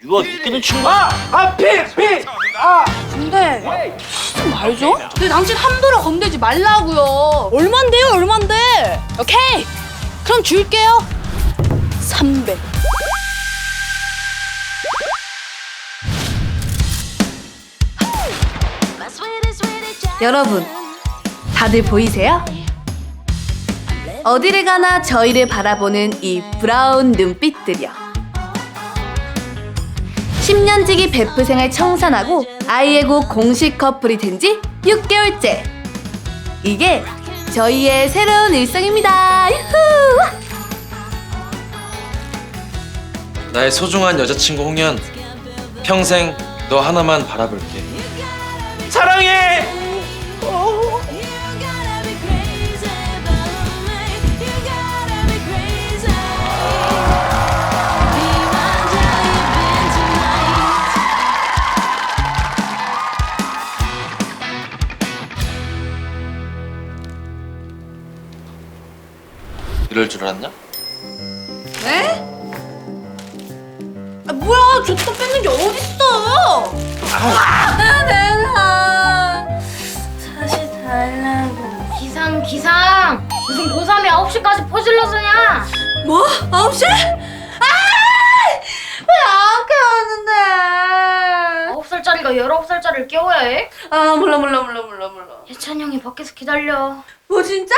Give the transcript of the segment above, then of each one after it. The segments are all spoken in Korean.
유아 웃기는 친구. 근데 좀 말죠? 근데 당신 함부로 건들지 말라고요. 얼만데요, 얼만데? 오케이, 그럼 줄게요. 300. 여러분, 다들 보이세요? 어디를 가나 저희를 바라보는 이 브라운 눈빛들이요. 10년지기 베프 생활 청산하고 아이에고 공식 커플이 된 지 6개월째. 이게 저희의 새로운 일상입니다. 유후! 나의 소중한 여자친구 홍연, 평생 너 하나만 바라볼게. 사랑해. 이럴 줄 알았냐? 네? 아, 뭐야, 줬다 뺏는 게 어딨어? 내가 다시 달라고. 기상 무슨 고3이 9시까지 퍼질러 서냐? 뭐? 9시? 왜 안 깨웠는데? 9살짜리가 19살짜리를 깨워야 해? 아, 몰라. 예찬이 형이 밖에서 기다려. 뭐 진짜?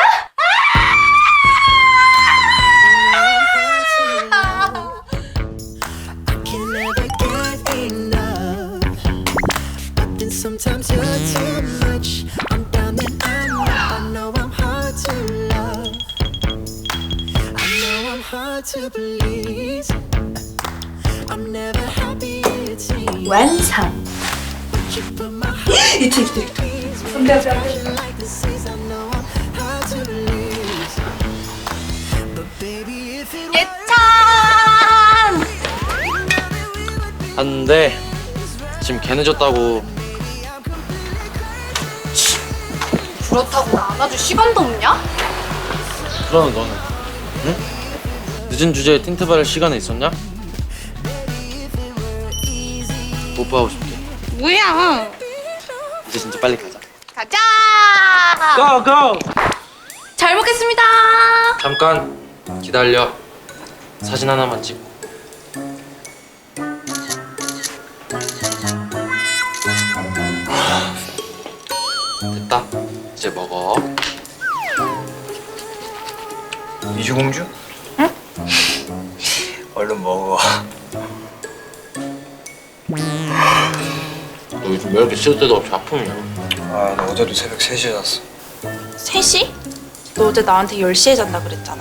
can never get enough. But then sometimes you're too much. I'm down and I'm up. I know I'm hard to love. I know I'm hard to please. I'm never happy it's me. 완성. You put my heart 이틀. like the seas. I know I'm hard to release. But baby, if it 예찬! 봤는데 지금 걔 늦었다고. 그렇다고 안아줄 시간도 없냐? 그러는 너는 응? 늦은 주제에 틴트 바를 시간에 있었냐? 뽀뽀하고 싶게. 뭐야? 이제 진짜 빨리 가자. 가자! Go go. 잘 먹겠습니다. 잠깐 기다려. 사진 하나만 찍고. 됐다. 이제 먹어. 이주공주? 응? 얼른 먹어. 너 요즘 왜 이렇게 쉴 때도 없이 아프냐? 아, 나 어제도 새벽 3시에 잤어. 3시? 너 어제 나한테 10시에 잔다 그랬잖아.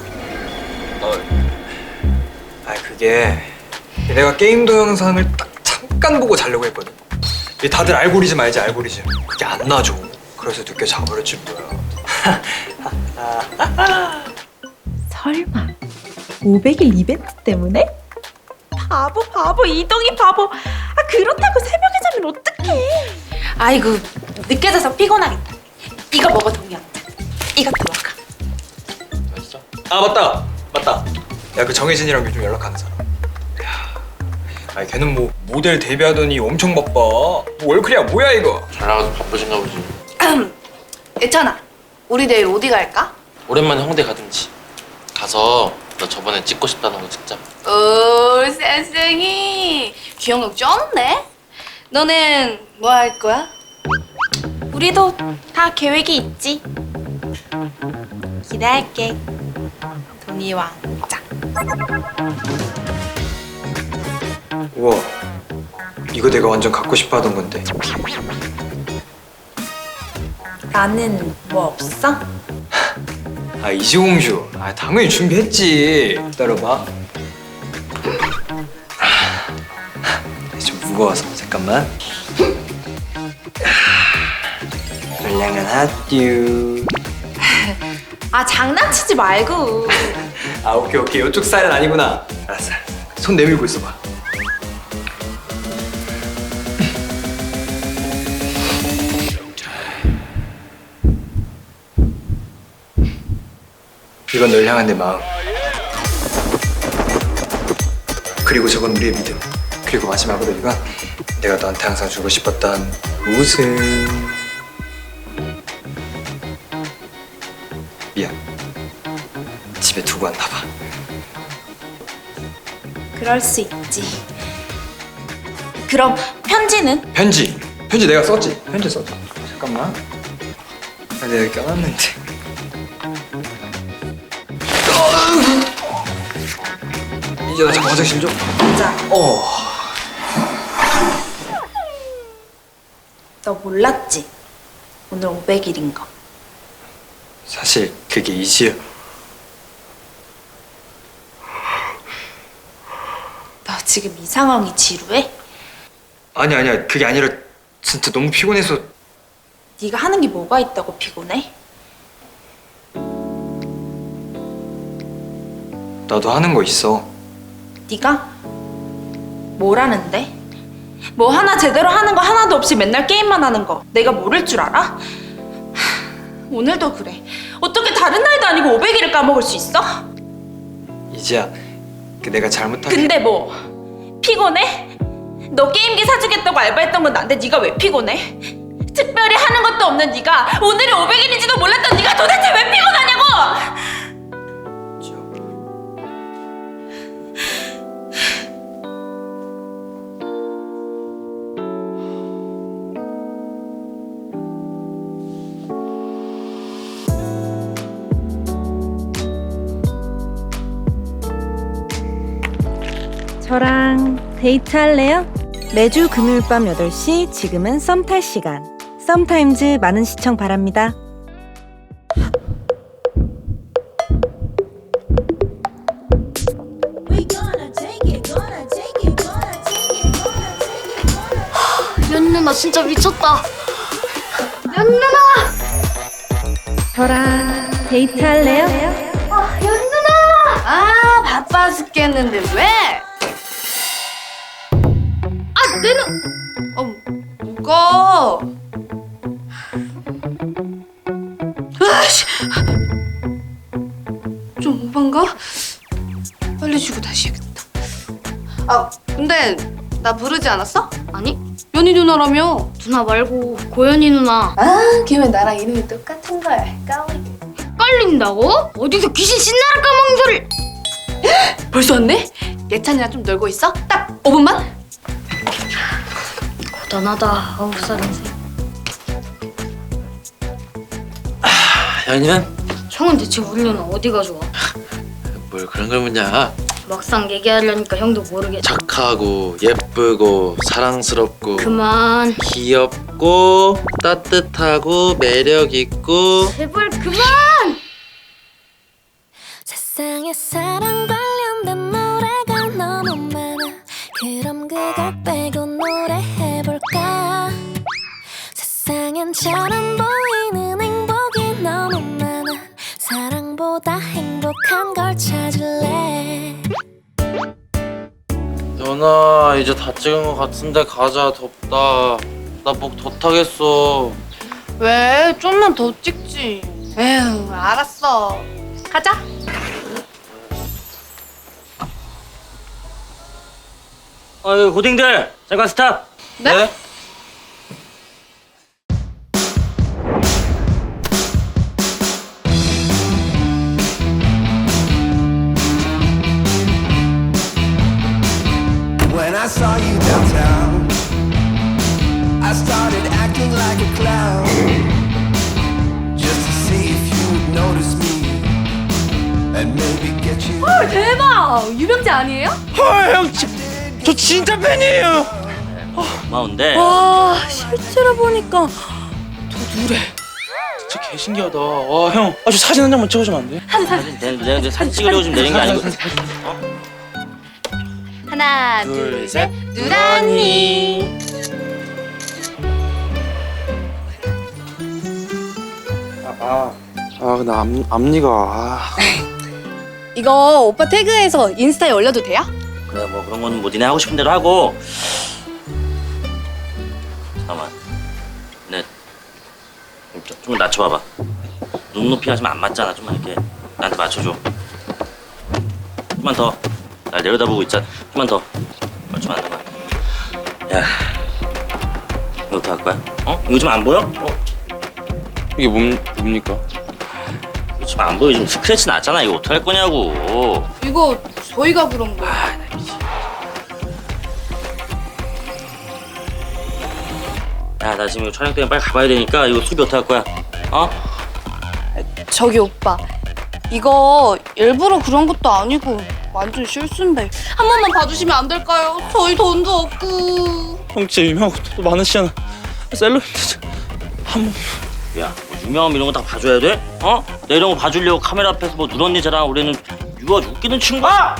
아, 그게 내가 게임 동영상을 딱 잠깐 보고 자려고 했거든. 이게 다들 알고리즘 알지, 알고리즘. 그게 안 놔줘. 그래서 늦게 자버렸지 뭐야. 설마 500일 이벤트 때문에? 바보 이동이 바보. 아, 그렇다고 새벽에 자면 어떡해. 아이고, 늦게 자서 피곤하겠다. 이거 먹어, 동이야. 이것도 먹어. 맛있어? 아, 맞다. 야, 그 정혜진이랑 요즘 연락하는 사람. 야, 아니 걔는 뭐 모델 데뷔하더니 엄청 바빠. 뭐 월클이야 뭐야 이거. 잘 나가서 바쁘신가 보지. 예찬아, 우리 내일 어디 갈까? 오랜만에 홍대 가든지. 가서 너 저번에 찍고 싶다는 거 찍자. 오, 쌩쌩이. 기억력 쩌는데? 너는 뭐 할 거야? 우리도 다 계획이 있지. 기대할게. 동이 왕자. 우와, 이거 내가 완전 갖고 싶어 하던 건데. 나는 뭐 없어? 아, 이주공주. 아, 당연히 준비했지. 기다려봐. 좀 무거워서 잠깐만. 물량은 핫듀. 아, 장난치지 말고. 아, 오케이. 이쪽 스타일은 아니구나. 알았어. 손 내밀고 있어봐. 이건 널 향한 내 마음. 그리고 저건 우리의 믿음. 그리고 마지막으로 이건 내가 너한테 항상 주고 싶었던 웃음. 미안. 집에 두고 왔나 봐. 그럴 수 있지. 그럼 편지는? 편지 내가 썼지. 편지 썼지. 잠깐만. 아, 내가 여기 껴놨는데. 이제 나 잠깐 화장실 좀. 자, 너 몰랐지? 오늘 500일인 거. 사실 그게 이지야. 너 지금 이 상황이 지루해? 아니야. 그게 아니라 진짜 너무 피곤해서. 네가 하는 게 뭐가 있다고 피곤해? 나도 하는 거 있어. 네가? 뭘 하는데? 뭐 하나 제대로 하는 거 하나도 없이 맨날 게임만 하는 거 내가 모를 줄 알아? 하, 오늘도 그래. 어떻게 다른 날도 아니고 500일을 까먹을 수 있어? 이지야, 그 내가 잘못한. 근데 뭐 피곤해? 너 게임기 사주겠다고 알바했던 건 난데 네가 왜 피곤해? 특별히 하는 것도 없는 네가 오늘이 500일인지도 몰랐던 네가 도대체 왜 피곤하냐고! 저랑 데이트할래요? 매주 금요일 밤 8시 지금은 썸 탈 시간. 썸타임즈 많은 시청 바랍니다. 연 누나 진짜 미쳤다. 연 누나. 저랑 데이트할래요? 연 누나. 아 바빠 죽겠는데 왜? 아 내 눈. 뭐가? 아씨. 좀 오반가? 빨리 주고 다시 해야겠다. 아 근데 나 부르지 않았어? 아니 연희 누나라며. 누나 말고 고연희 누나. 아, 걔는 나랑 이름이 똑같은 걸 까먹. 헷갈린다고? 어디서 귀신 신나라 까먹는 소리를. 벌써 왔네? 예찬이랑 좀 놀고 있어? 딱 5분만? 고단하다 9살인 새. 연희는? 형은 대체 우리 누나 어디가 좋아? 뭘 그런 걸 묻냐. 막상 얘기하려니까 형도 모르게. 착하고 예쁘고 사랑스럽고 그만. 귀엽고 따뜻하고 매력있고. 제발 그만. 세상에 사랑 관련된 노래가 너무 많아. 그럼 그걸 빼고 노래해볼까? 세상엔 잘 안 보이는 행복이 너무 많아. 사랑보다 행복한 걸 찾을래. 연아 이제 다 찍은 것 같은데 가자. 덥다. 나 목 더 타겠어. 왜? 좀만 더 찍지. 에휴, 알았어. 가자. 어이 고딩들 잠깐 스탑. 네? When I saw you downtown, I started acting like a clown, just to see if you would notice me and maybe get you. 대박! 유명자 아니에요? 헐형 저 진짜 팬이에요. 고마운데. 와, 실제로 보니까 진짜 개신기하다. 와 형, 저 사진 한 장만 찍어주면 안 돼? 내가 사진 찍으려고 지금 내린 게 아니고. 하나, 둘, 셋. 누란이. 근데 앞니가. 이거 오빠 태그해서 인스타에 올려도 돼요? 그래 뭐 그런 거는 뭐 니네 하고 싶은 대로 하고. 잠깐만. 네. 좀 낮춰봐봐. 눈높이 하시면 안 맞잖아. 좀만 이렇게 나한테 맞춰줘. 좀만 더. 날 내려다보고 있자. 좀만 더. 맞추면 안 돼. 야, 이거 어떡할 거야? 어? 이거 좀 안 보여? 이게 뭡니까? 이거 좀 안 보여? 지금 스크래치 났잖아. 이거 어떡할 거냐고. 이거 저희가 그런 거. 야, 나 지금 이거 촬영 때문에 빨리 가봐야 되니까 이거 수비 어떡할 거야? 어? 저기 오빠, 이거 일부러 그런 것도 아니고 완전 실수인데 한 번만 봐주시면 안 될까요? 저희 돈도 없고. 형 진짜 유명하고 또 많으시잖아. 셀럽인데 한 번. 야, 뭐 유명함 이런 거 다 봐줘야 돼? 어? 내 이런 거 봐주려고 카메라 앞에서 뭐 누런니 자랑 우리는 이거 아주 웃기는 친구야.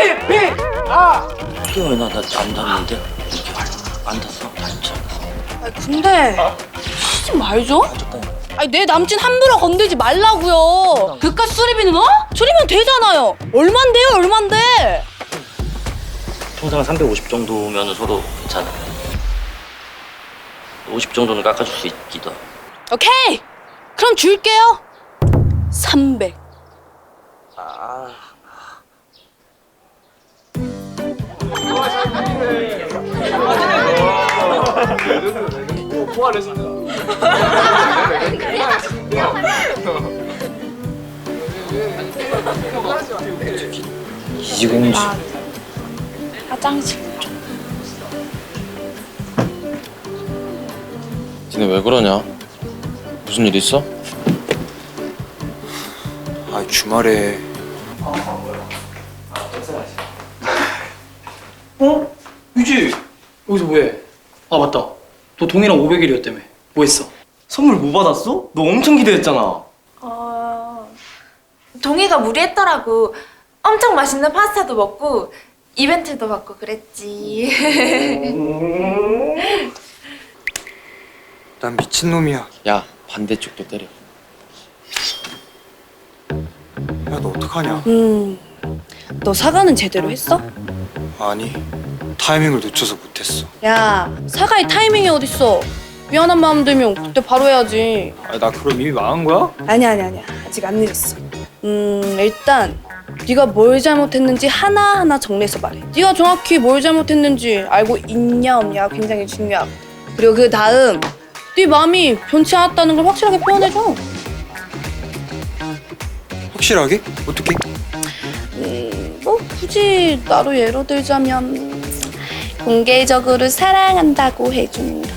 이게 왜 나 안 닿는데? 이렇게 안 닿았어? 진짜 안 닿았어. 아니 근데 하지 말죠. 아니 내 남친 함부로 건들지 말라고요. 그깟 수리비는 줄이면 되잖아요. 얼만데요, 얼만데? 통상 350 정도면 서로 괜찮아. 50 정도는 깎아줄 수 있기도 하고. 오케이. 그럼 줄게요. 300. 이지공주. 화장실. 니네 왜 그러냐? 무슨 일 있어? 아 주말에 어? 유지 여기서 뭐해? 아 맞다. 너 동이랑 500일이었다며. 뭐 했어? 선물 뭐 받았어? 너 엄청 기대했잖아. 동이가 무리했더라고. 엄청 맛있는 파스타도 먹고 이벤트도 받고 그랬지. 난 미친놈이야. 야, 반대쪽도 때려. 야 너 어떡하냐? 너 사과는 제대로 했어? 아니 타이밍을 놓쳐서 못했어. 야, 사과의 타이밍이 어딨어? 미안한 마음 들면 그때 바로 해야지. 아니 나 그럼 이미 망한 거야? 아니야. 아직 안 늦었어. 일단 네가 뭘 잘못했는지 하나하나 정리해서 말해. 네가 정확히 뭘 잘못했는지 알고 있냐 없냐가 굉장히 중요하고. 그리고 그 다음 네 마음이 변치 않았다는 걸 확실하게 표현해줘. 확실하게? 어떻게? 뭐 굳이 나로 예로 들자면 공개적으로 사랑한다고 해준다.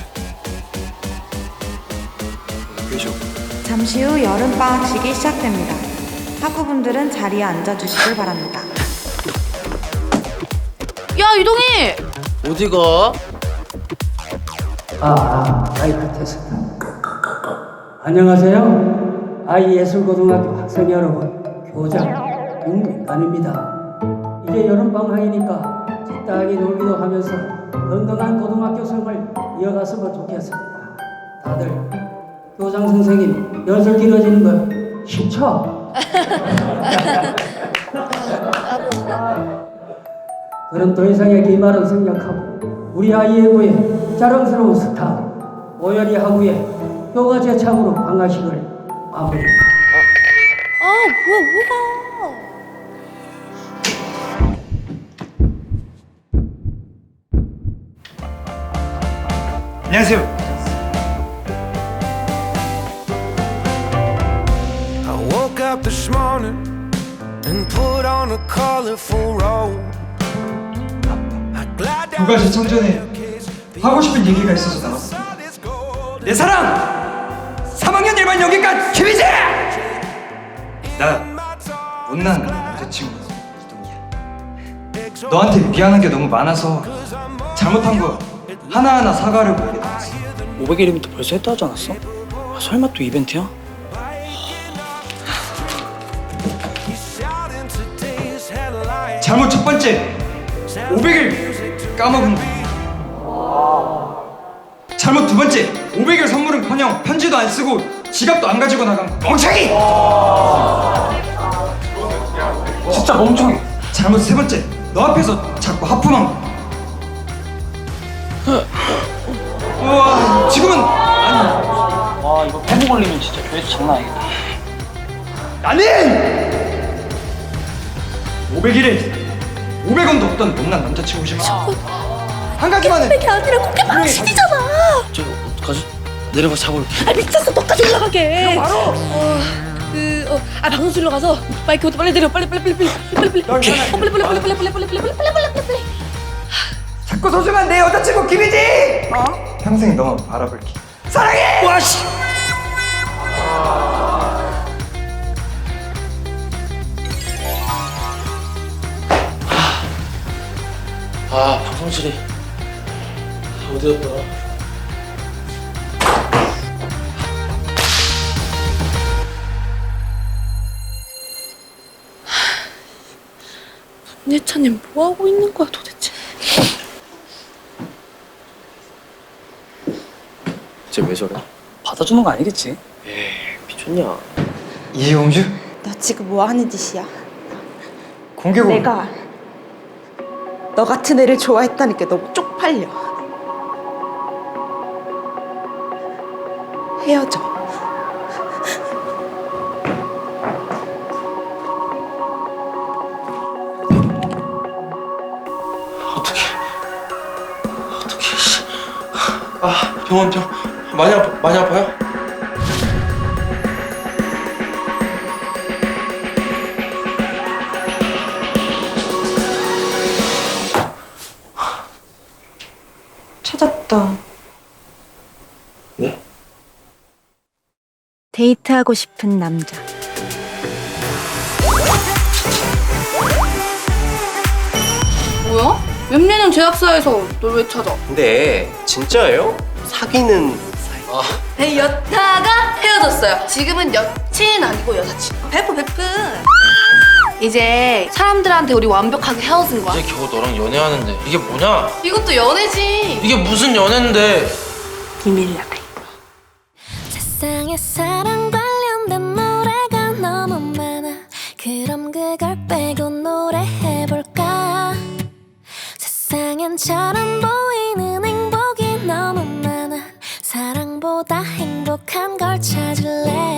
그죠? 잠시 후 여름방학식이 시작됩니다. 학우분들은 자리에 앉아주시길 바랍니다. 야, 이동희! 어디가? 마이크 테스트. 안녕하세요. 아이예술고등학교 학생 여러분, 교장 윤민관입니다. 이제 여름방학이니까 적당히 놀기도 하면서 건강한 고등학교 생활 이어갔으면 좋겠습니다. 다들 교장 선생님 연설 길어지는 거 싫죠? 그럼 더 이상의 기말은 생략하고 우리 아이의 구에 자랑스러운 스타 오연희 학우의 교가 제창으로 방학식을 마무리. 뭐야. 안녕하세요. I woke up this morning and put on a colorful robe. 교가 제청 전에 하고 싶은 얘기가 있어서 나왔습니다. 내 사랑! 3학년 1반 여기까지 김희재! 나 못난 남자친구 이동이야. 너한테 미안한 게 너무 많아서 잘못한 거 하나하나 사과하려고 여기 나왔어. 500일이면 벌써 했다 하지 않았어? 아, 설마 또 이벤트야? 잘못 첫 번째 500일 까먹은 거. 잘못 두 번째 500일 선물은커녕 편지도 안 쓰고 지갑도 안 가지고 나간 거. 멍청이! 진짜 멍청이. 잘못 세 번째 너 앞에서 자꾸 하품한 거. 우와 지금은 아니. 와 이거 폐부 걸리면 진짜 교회에서 장난 아니겠다. 나는 500일에 500원도 없던 못난 남자친구지만 한 가지만은. 게 아니라 그게 바로 CD잖아. 저기 어떡하지? 내려가 잡을게. 아 미쳤어. 너까지 올라가게. 바로. 방송실로 가서 마이크 빨리 내려. 빨리. 빨리. 자꾸 소중한 내 여자친구 김희지. 평생 너만 바라볼게. 사랑해. 와 씨. 방송실이 어디였더라? 예찬님 뭐 하고 있는 거야 도대체? 쟤 왜 저래? 받아주는 거 아니겠지? 미쳤냐? 이용주? 너 지금 뭐 하는 짓이야? 공개고. 내가 너 같은 애를 좋아했다니까 너무 쪽팔려. 헤어져. 어떡해 씨. 병원 많이 아파요? 찾았다. 네? 데이트하고 싶은 남자. 뭐야? 웹내는 제작사에서 널 왜 찾아? 근데 진짜예요? 사귀는 사이? 여타가 헤어졌어요. 지금은 여친 아니고 여사친. 베프. 이제 사람들한테 우리 완벽하게 헤어진 거야. 이제 겨우 너랑 연애하는데 이게 뭐냐? 이것도 연애지. 이게 무슨 연애인데? 비밀이야. 세상에 사랑 관련된 노래가 너무 많아. 그럼 그걸 빼고 노래해볼까? 세상엔 잘 안 보이는 행복이 너무 많아. 사랑보다 행복한 걸 찾을래.